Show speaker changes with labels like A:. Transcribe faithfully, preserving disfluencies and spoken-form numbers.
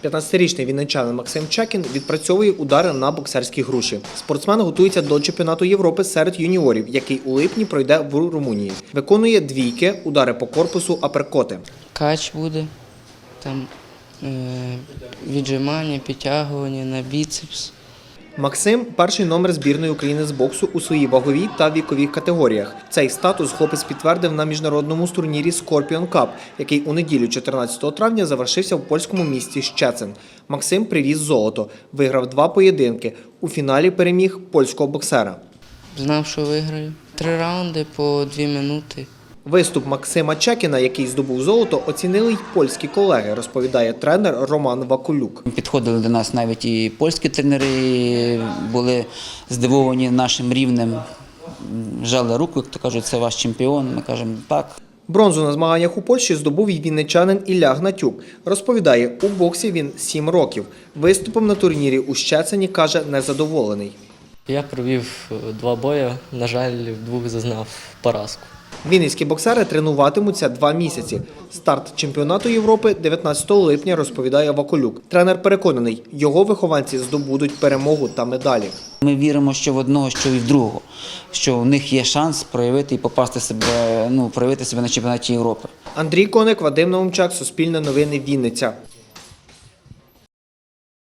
A: п'ятнадцятирічний вінничанин Максим Чекін відпрацьовує удари на боксерські груші. Спортсмен готується до чемпіонату Європи серед юніорів, який у липні пройде в Румунії. Виконує двійки, удари по корпусу, аперкоти.
B: Кач буде, там е, віджимання, підтягування на біцепс.
A: Максим – перший номер збірної України з боксу у своїй ваговій та віковій категоріях. Цей статус хлопець підтвердив на міжнародному турнірі Scorpion Cup, який у неділю чотирнадцятого травня завершився в польському місті Щецин. Максим привіз золото, виграв два поєдинки. У фіналі переміг польського боксера.
B: Знав, що виграю. Три раунди по дві минути.
A: Виступ Максима Чекіна, який здобув золото, оцінили й польські колеги, розповідає тренер Роман Вакулюк.
C: Підходили до нас навіть і польські тренери, були здивовані нашим рівнем, жали руку, як то кажуть, це ваш чемпіон, ми кажемо так.
A: Бронзу на змаганнях у Польщі здобув і вінничанин Ілля Гнатюк. Розповідає, у боксі він сім років. Виступом на турнірі у Щецині, каже, незадоволений.
D: Я провів два бої, на жаль, в двох зазнав поразку.
A: Вінницькі боксери тренуватимуться два місяці. Старт чемпіонату Європи дев'ятнадцятого липня, розповідає Вакулюк. Тренер переконаний, його вихованці здобудуть перемогу та медалі.
C: Ми віримо, що в одного, що і в другого, що в них є шанс проявити і попасти себе, ну, проявити себе на чемпіонаті Європи.
A: Андрій Коник, Вадим Наумчак, Суспільне новини, Вінниця.